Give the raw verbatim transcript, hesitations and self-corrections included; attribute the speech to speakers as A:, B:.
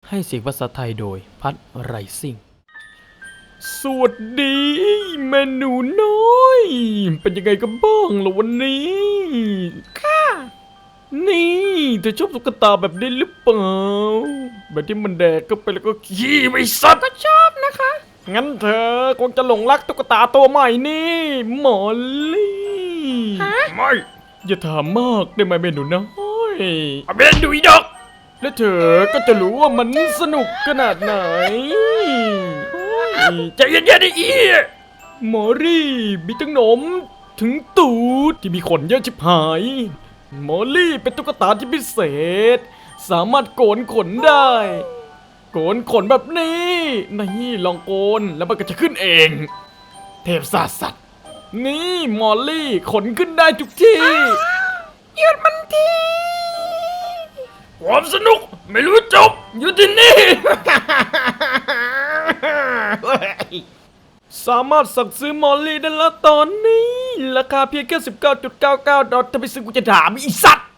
A: ให้เสียงภาษาไทยโดยพัดไรซิ่งสวัสดีเมนูน้อยเป็นยังไงกันบ้างล่ะวันนี้ค่ะนี่เธอชอบตุ๊กตาแบบนี้หรือเปล่าแบบที่มันแดกก็ไปแล้วก็ขี้ไม่สัตว์ก็ชอบนะคะงั้นเธอคงจะหลงรักตุ๊กตาตัวใหม่นี่หมอลลี่ไม่อย่าถามมากได้ไหมเมนูน้อยเมนูอีดอกแล้วเธอก็จะรู้ว่ามันสนุกขนาดไหนใจเย็นๆดิอีหมอรี่มีทั้งหนมถึงตูดที่มีขนเยอะชิบหายหมอรี่เป็นตุ๊กตาที่พิเศษสามารถโกนขนได้โกนขนแบบนี้นี่ลองโกนแล้วมันก็จะขึ้นเองเทพศาสตร์สัตว์นี่มอลลี่ขนขึ้นได้ทุกที่หยุดมันทีความสนุกไม่รู้จบอยู่ที่นี่ สามารถสั่งซื้อมอลลี่ได้แล้วตอนนี้ราคาเพียงแค่ สิบเก้าจุดเก้าเก้า ดอลลาร์ถ้าไปซื้อกูจะถามอีสัตว์